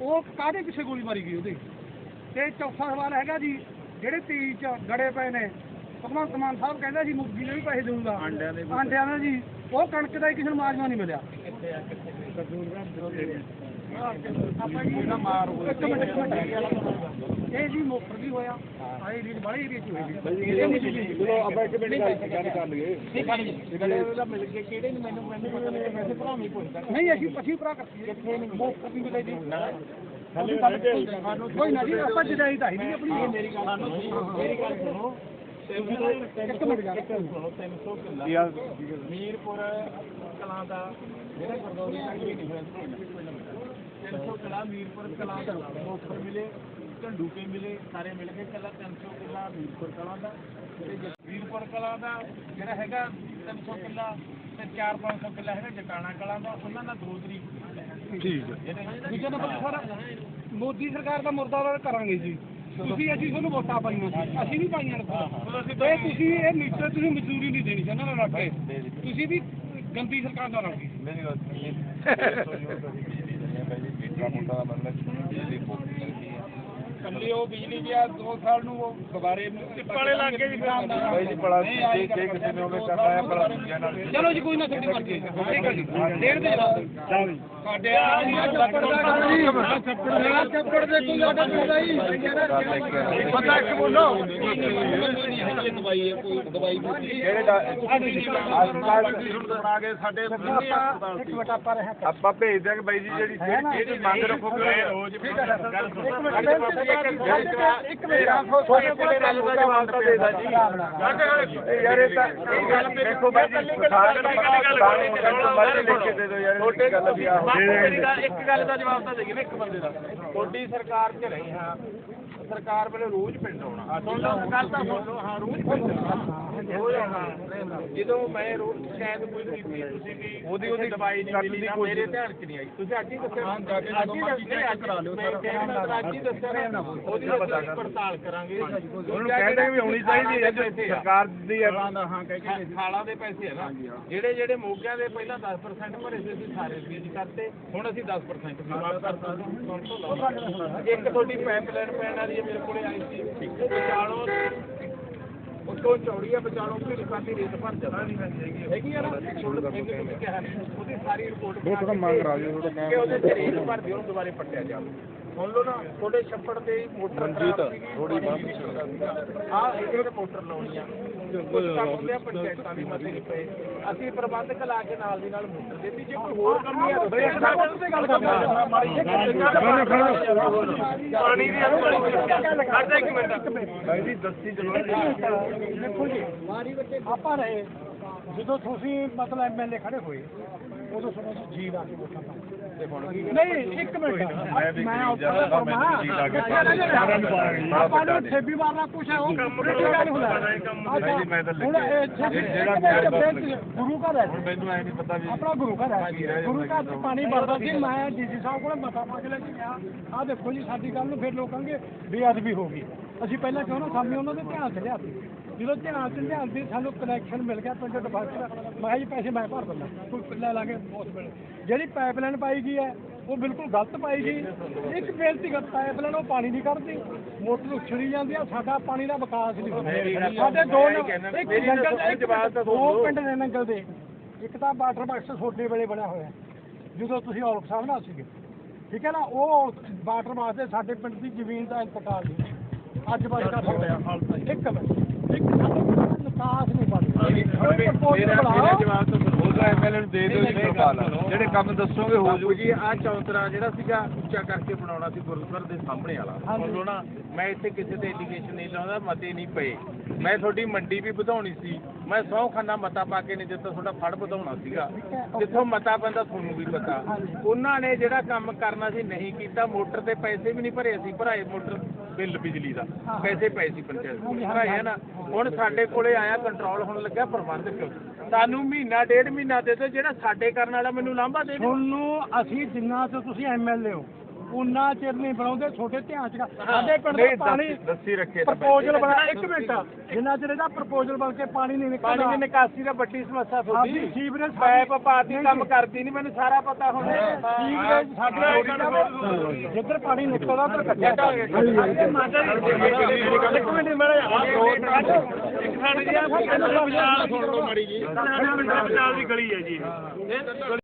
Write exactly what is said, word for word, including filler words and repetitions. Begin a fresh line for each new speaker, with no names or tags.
ਉਹ ਕਾਹਦੇ ਪਿੱਛੇ ਗੋਲੀ ਮਾਰੀ ਗਈ ਉਹਦੇ। ਤੇ ਚੌਥਾ ਸਵਾਲ ਹੈਗਾ ਜੀ, ਜਿਹੜੇ ਤੇਈ ਚ ਗੜੇ ਪਏ ਨੇ, ਭਗਵੰਤ ਮਾਨ ਸਾਹਿਬ ਕਹਿੰਦਾ ਜੀ ਮੁਰਗੀ ਦੇ ਵੀ ਪੈਸੇ ਦੇਊਗਾ ਆਂਡਿਆਂ ਦਾ ਜੀ, ਉਹ ਕਣਕ ਦਾ ਹੀ ਕਿਸੇ ਨੂੰ ਮਾਜਵਾ ਨਹੀਂ ਮਿਲਿਆ। ਆਪਾਂ ਜੀ ਇਹ ਜੀ ਮੋਟਰ ਵੀ ਹੋਇਆ ਆਏ ਏਰੀਏ ਬੜੇ ਏਰੀਏ ਚ ਹੋਈ ਆਪਾਂ ਇੱਕ ਮਿੰਟ ਗੱਲ ਕਰ ਲਈਏ ਮਿਲ ਕੇ ਕਿਹੜੇ ਨੂੰ ਮੈਨੂੰ ਮੈਨੂੰ ਪਤਾ ਨਹੀਂ ਵੈਸੇ ਭਰਾ ਨਹੀਂ ਪੁੱਛਦਾ ਨਹੀਂ ਅਸੀਂ ਪਛੀ ਭਰਾ ਕਰਦੇ ਕਿੱਥੇ ਨਹੀਂ ਮੋਟਰ ਵੀ ਮਿਲੇ ਜੀ ਕੋਈ ਨਾ ਜੀ ਆਪਾਂ ਜਦਾਈ ਤਾਂ ਨਹੀਂ ਆਪਣੀ ਮੇਰੀ ਗੱਲ ਮੇਰੀ ਗੱਲ ਸੁਣੋ ਇੱਕ ਮਿੰਟ ਗੱਲ ਸੁਣੋ ਤਿੰਨ ਸੌ ਕਿੱਲਾ ਮੀਰਪੁਰ ਕਲਾਂ ਦਾ ਜਿਹੜਾ ਗੁਰਦੌਰੀ ਤੱਕ ਵੀ ਡਿਫਰੈਂਸ ਤਿੰਨ ਸੌ ਕਿੱਲਾ ਮੀਰਪੁਰ ਕਲਾਂ ਦਾ ਮੋਟਰ ਮਿਲੇ ਝੰਡੂ ਕੇ ਮਿਲੇ ਸਾਰੇ ਮਿਲ ਕੇ ਕੱਲਾ ਤਿੰਨ ਸੌ ਕਿੱਲਾ ਮੀਰਪੁਰ ਕਲਾਂ ਦਾ ਮੀਰਪੁਰ ਕਲਾਂ ਦਾ ਜਿਹੜਾ ਹੈਗਾ ਤਿੰਨ ਸੌ ਕਿੱਲਾ ਤੇ ਚਾਰ ਪੰਜ ਸੌ ਕਿੱਲਾ ਹੈਗਾ ਜਟਾਣਾ ਕਲਾਂ ਦਾ ਉਹਨਾਂ ਦਾ ਦੋ ਤਰੀਕ ਠੀਕ ਹੈ। ਦੂਜਾ ਨੰਬਰ ਸਰ ਮੋਦੀ ਸਰਕਾਰ ਦਾ ਮੁਰਦਾਬਾਦ ਕਰਾਂਗੇ ਜੀ ਤੁਸੀਂ ਅਸੀਂ ਤੁਹਾਨੂੰ ਵੋਟਾਂ ਪਾਈਆਂ ਸੀ ਅਸੀਂ ਨਹੀਂ ਪਾਈਆਂ ਤੇ ਤੁਸੀਂ ਇਹ ਮੀਟਰ ਤੁਸੀਂ ਮਜ਼ਦੂਰੀ ਨਹੀਂ ਦੇਣੀ ਚਾਹੁੰਦੇ ਨਾ ਰੱਖ ਕੇ ਤੁਸੀਂ ਵੀ ਗੰਦੀ ਸਰਕਾਰ ਦਾ ਰੱਖ ਮੇਰੀ ਕੱਲੀ ਉਹ ਬਿਜਲੀ ਗਿਆ ਦੋ ਸਾਲ ਨੂੰ ਉਹ ਦੁਬਾਰੇ ਵਾਲੇ ਲੱਗ ਗਏ ਜੀ ਚਲੋ ਜੀ ਕੋਈ ਨਾ ਤੁਹਾਡੀ ਮਰਜ਼ੀ ਠੀਕ ਹੈ ਜੀ ਡੇਢ ਦੇ ਸਾਡੇ ਚੱਪੜ ਦੇ ਕੋਈ ਆਰਡਰ ਨਹੀਂ ਪਤਾ ਇੱਕ ਬੋਲੋ ਦਵਾਈ ਹੈ ਕੋਈ ਦਵਾਈ ਜਿਹੜੇ ਬਣਾ ਕੇ ਸਾਡੇ ਆਪਾਂ ਭੇਜ ਦਿਆਂਗੇ ਬਾਈ ਜੀ ਜਿਹੜੀ ਜਿਹੜੀ ਮੰਗ ਰੱਖੋਗੇ ਰੋਜ਼ ਠੀਕ ਹੈ ਗੱਲ ਸੁਣੋ ਇੱਕ ਮੇਰਾ ਤੁਹਾਡੇ ਕੋਲ ਗੱਲ ਦਾ ਜਵਾਬ ਤਾਂ ਦੇ ਦਾਂ ਜੀ ਯਾਰ ਇਹ ਤਾਂ ਇਹ ਗੱਲ ਦੇਖੋ ਬਾਈ ਜੀ ਸਾਰੇ ਮਰਜ਼ੀ ਲਿਖ ਕੇ ਦੇ ਦਿਓ ਯਾਰ ਛੋਟੇ ਗੱਲ ਵੀ ਆ ਇੱਕ ਗੱਲ ਦਾ ਜਵਾਬ ਤਾਂ ਦੇਈਏ ਨਾ ਇੱਕ ਬੰਦੇ ਦਾ ਤੁਹਾਡੀ ਸਰਕਾਰ 'ਚ ਰਹੇ ਹਾਂ ਸਰਕਾਰ ਵੱਲੋਂ ਰੋਜ਼ ਪਿੰਡ ਆਉਣਾ ਸੁਣ ਲਓ ਗੱਲ ਤਾਂ ਸੁਣ ਲਓ ਹਾਂ ਰੋਜ਼ ਪਿੰਡ ਆਉਣਾ ਜਦੋਂ ਮੈਂ ਰੋਜ਼ ਸ਼ਾਇਦ ਕੋਈ ਕੀਤੀ ਤੁਸੀਂ ਵੀ ਉਹਦੀ ਉਹਦੀ ਦਵਾਈ ਨਹੀਂ ਮਿਲੀ ਨਾ ਮੇਰੇ ਧਿਆਨ 'ਚ ਨਹੀਂ ਆਈ ਤੁਸੀਂ ਅੱਜ ਹੀ ਦੱਸਿਆ ਅੱਜ ਹੀ ਦੱਸਿਆ ਕਰਾ ਲਿਓ ਸਰ ਅੱਜ ਹੀ ਦੱਸਿਆ ਉਹਦੀ ਪੜਤਾਲ ਕਰਾਂਗੇ ਉਹਨੂੰ ਕਹਿੰਦੇ ਵੀ ਹੋਣੀ ਚਾਹੀਦੀ ਹੈ ਸਰਕਾਰ ਦੀ ਹਾਂ ਕਹਿ ਕੇ ਖਾਲਾਂ ਦੇ ਪੈਸੇ ਹੈ ਨਾ ਜਿਹੜੇ ਜਿਹੜੇ ਮੋਗਿਆਂ ਦੇ ਪਹਿਲਾਂ ਦਸ ਪਰਸੈਂਟ ਭਰੇ ਸੀ ਅਸੀਂ ਸਾਰੇ ਫੀਸ ਕਰਤੇ ਹੁਣ ਅਸੀਂ ਦਸ ਪਰਸੈਂਟ ਮਾਫ ਕਰਤਾ ਇੱਕ ਤੁਹਾਡੀ ਪਾਈਪਲਾਈਨ ਪੈਣ ਵਾਲੀ ਮੇਰੇ ਕੋਲੇ ਆਈ ਸੀ ਵਿਚਾਲੋਂ ਉੱਤੋਂ ਚੌੜੀ ਆ ਵਿਚਾਲੋਂ ਵੀ ਰਿਕਾਰਡੀ ਰੇਟ ਭਰ ਜਾਂਦਾ ਨਹੀਂ ਹੈਗੀ ਹੈਗੀ ਆ ਨਾ ਮੈਨੂੰ ਕਿਹਾ ਉਹਦੀ ਸਾਰੀ ਰਿਪੋਰਟ ਮੰਗ ਕਰਾ ਦਿਓ ਕਿ ਉਹਦੇ ਚ ਰੇਟ ਭਰ ਦਿਓ ਉਹਨੂੰ ਦੁਬਾਰੇ ਪੱਟਿਆ ਜਾਵੇ ਸੁਣ ਲਓ ਨਾ ਤੁਹਾਡੇ ਛੱਪੜ ਤੇ ਮੋਟਰ ਰਣਜੀਤ ਥੋੜੀ ਹਾਂ ਇਹਦੇ ਮੋਟਰ ਲਾਉਣੀ ਆ ਕੁਝ ਕੰਮ ਹੁੰਦੇ ਆ ਪੰਚਾਇਤਾਂ ਦੀ ਮਤੇ ਨਹੀਂ ਪਏ ਅਸੀਂ ਪ੍ਰਬੰਧਕ ਲਾ ਕੇ ਨਾਲ ਦੀ ਨਾਲ ਮੋਟਰ ਦੇਤੀ ਜੇ ਕੋਈ ਹੋਰ ਕੰਮ ਹੈ ਗੱਲ ਪਾਣੀ ਦੀ ਖੜਦਾ ਇੱਕ ਮਿੰਟ ਭਾਈ ਜੀ ਦੱਸੀ ਚਲੋ ਦੇਖੋ ਜੀ ਆਪਾਂ ਰਹੇ ਜਦੋਂ ਤੁਸੀਂ ਮਤਲਬ ਐਮ ਐਲ ਏ ਖੜੇ ਹੋਏ ਉਦੋਂ ਸੁਣੋ ਜੀ ਲਾ ਕੇ ਵੋਟਾਂ ਪਾਉਂਦੇ ਨਹੀਂ ਇੱਕ ਮਿੰਟ ਮੈਂ ਆਪਾਂ ਨੂੰ ਛੇਬੀ ਵਾਰਨਾ ਕੁਛ ਹੈ ਉਹ ਗੱਲ ਹੁੰਦਾ ਗੁਰੂ ਘਰ ਹੈ ਮੈਨੂੰ ਐ ਨਹੀਂ ਪਤਾ ਵੀ ਆਪਣਾ ਗੁਰੂ ਘਰ ਹੈ ਗੁਰੂ ਘਰ ਚ ਪਾਣੀ ਭਰਦਾ ਸੀ ਮੈਂ ਡੀਸੀ ਸਾਹਿਬ ਕੋਲ ਮਤਾ ਪਾ ਕੇ ਲੈ ਕੇ ਗਿਆ ਆਹ ਦੇਖੋ ਜੀ ਸਾਡੀ ਗੱਲ ਨੂੰ ਫਿਰ ਲੋਕ ਕਹਿੰਗੇ ਬੇਅਦਬੀ ਹੋ ਗਈ ਅਸੀਂ ਪਹਿਲਾਂ ਕਿਉਂ ਨਾ ਸਾਹਮਣੇ ਉਹਨਾਂ ਦੇ ਧਿਆਨ ਚ ਲਿਆਤੀ ਜਦੋਂ ਧਿਆਨ ਚ ਲਿਆਂਦੀ ਸਾਨੂੰ ਕਨੈਕਸ਼ਨ ਮਿਲ ਗਿਆ ਪਿੰਡ ਡਿਫਾਲਟਰ ਮੈਂ ਕਿਹਾ ਜੀ ਪੈਸੇ ਮੈਂ ਭਰ ਦਿੰਦਾ ਕੋਈ ਲੈ ਲਾਂਗੇ ਉਸ ਵੇਲੇ ਜਿਹੜੀ ਪਾਈਪਲਾਈਨ ਪਾਈ ਗਈ ਹੈ ਉਹ ਬਿਲਕੁਲ ਗਲਤ ਪਾਈ ਗਈ ਇੱਕ ਬੇਨਤੀ ਕਰ ਪਾਈਪਲਾਈਨ ਉਹ ਪਾਣੀ ਨਹੀਂ ਕੱਢਦੀ ਮੋਟਰ ਉਛੜੀ ਜਾਂਦੀ ਆ ਸਾਡਾ ਪਾਣੀ ਦਾ ਵਿਕਾਸ ਨਹੀਂ ਹੁੰਦਾ ਸਾਡੇ ਦੋ ਇੱਕ ਨੰਗਲ ਦੋ ਪਿੰਡ ਨੇ ਨੰਗਲ ਦੇ ਇੱਕ ਤਾਂ ਵਾਟਰ ਬਾਕਸ ਛੋਟੇ ਵੇਲੇ ਬਣਿਆ ਹੋਇਆ ਜਦੋਂ ਤੁਸੀਂ ਔਲਖ ਸਾਹਿਬ ਨਾਲ ਸੀਗੇ ਠੀਕ ਹੈ ਨਾ ਉਹ ਵਾਟਰ ਬਾਕਸ ਦੇ ਸਾਡੇ ਪਿੰਡ ਦੀ ਜ਼ਮੀਨ ਦਾ ਇੰਤਕਾਲ ਨਹੀਂ ਅੱਜ ਬਾਅਦ ਹੋ ਗਿਆ ਇੱਕ ਮਿੰਟ ਇੱਕ ਨਿਕਾਸ ਨਹੀਂ ਬਣਦਾ ਜਿਹੜੇ ਕੰਮ ਦੱਸੋਗੇ ਹੋ ਜੂ ਜੀ ਆਹ ਚੌਂਤਰਾ ਜਿਹੜਾ ਸੀਗਾ ਉੱਚਾ ਕਰਕੇ ਬਣਾਉਣਾ ਸੀ ਗੁਰਦੁਆਰੇ ਦੇ ਸਾਹਮਣੇ ਵਾਲਾ ਬੋਲੋ ਨਾ ਮੈਂ ਇੱਥੇ ਕਿਸੇ ਤੇ ਐਲੀਗੇਸ਼ਨ ਨਹੀਂ ਲਾਉਂਦਾ ਮਤੇ ਨਹੀਂ ਪਏ ਮੈਂ ਤੁਹਾਡੀ ਮੰਡੀ ਵੀ ਵਧਾਉਣੀ ਸੀ ਮੈਂ ਸੌ ਖਾਨਾ ਮਤਾ ਪਾ ਕੇ ਨਹੀਂ ਦਿੱਤਾ ਤੁਹਾਡਾ ਫੜ ਵਧਾਉਣਾ ਸੀਗਾ ਜਿੱਥੋਂ ਮਤਾ ਪੈਂਦਾ ਤੁਹਾਨੂੰ ਵੀ ਪਤਾ ਉਹਨਾਂ ਨੇ ਜਿਹੜਾ ਕੰਮ ਕਰਨਾ ਸੀ ਨਹੀਂ ਕੀਤਾ ਮੋਟਰ ਤੇ ਪੈਸੇ ਵੀ ਨਹੀਂ ਭਰੇ ਅਸੀਂ ਭਰਾਏ ਮੋਟਰ ਬਿੱਲ ਬਿਜਲੀ ਦਾ ਪੈਸੇ ਪਏ ਸੀ ਪੰਚਾਇਤ ਭਰਾਏ ਹੈ ਨਾ ਹੁਣ ਸਾਡੇ ਕੋਲੇ ਆਇਆ ਕੰਟਰੋਲ ਹੋਣ ਲੱਗਾ ਪ੍ਰਬੰਧਕ ਸਾਨੂੰ ਮਹੀਨਾ ਡੇਢ ਮਹੀਨਾ ਦੇ ਦਿਓ ਜਿਹੜਾ ਸਾਡੇ ਕਰਨ ਵਾਲਾ ਮੈਨੂੰ ਲਾਂਭਾ ਦੇ ਤੁਹਾਨੂੰ ਅਸੀਂ ਜਿੰਨਾ ਤੋਂ ਤੁਸੀਂ ਐਮ ਐਲ ਏ ਹੋ
ਉਹਨਾਂ ਚਿਰ ਨਹੀਂ ਬਣਾਉਂਦੇ ਛੋਟੇ ਧਿਆਨ ਚ ਸਾਡੇ ਪਿੰਡ ਦਾ ਪਾਣੀ
ਦੱਸੀ ਰੱਖੇ
ਪ੍ਰਪੋਜ਼ਲ ਬਣਾ ਇੱਕ ਮਿੰਟ ਜਿੰਨਾ ਚਿਰ ਇਹਦਾ ਪ੍ਰਪੋਜ਼ਲ ਬਣ ਕੇ ਪਾਣੀ ਨਹੀਂ ਨਿਕਲਦਾ
ਪਾਣੀ ਦੀ ਨਿਕਾਸੀ ਦਾ ਵੱਡੀ ਸਮੱਸਿਆ
ਸਾਡੀ ਸੀਵਰੇਜ
ਪਾਈਪ ਪਾਤੀ ਕੰਮ ਕਰਦੀ ਨਹੀਂ ਮੈਨੂੰ ਸਾਰਾ ਪਤਾ ਹੁਣ
ਸੀਵਰੇਜ ਸਾਡੇ ਜਿੱਧਰ ਪਾਣੀ ਨਿਕਲਦਾ ਉਧਰ ਕੱਚਾ
ਇੱਕ ਮਿੰਟ ਮੈਂ ਇੱਕ ਸਾਡੀ ਜੀ ਆ ਸੁਣ ਲਓ ਵਿਚਾਰ ਸੁਣ ਲਓ ਮਾੜੀ ਜੀ ਸਾਡਾ ਪਿੰਡ ਵਿਚਾਰ ਦੀ ਗਲੀ ਹੈ ਜੀ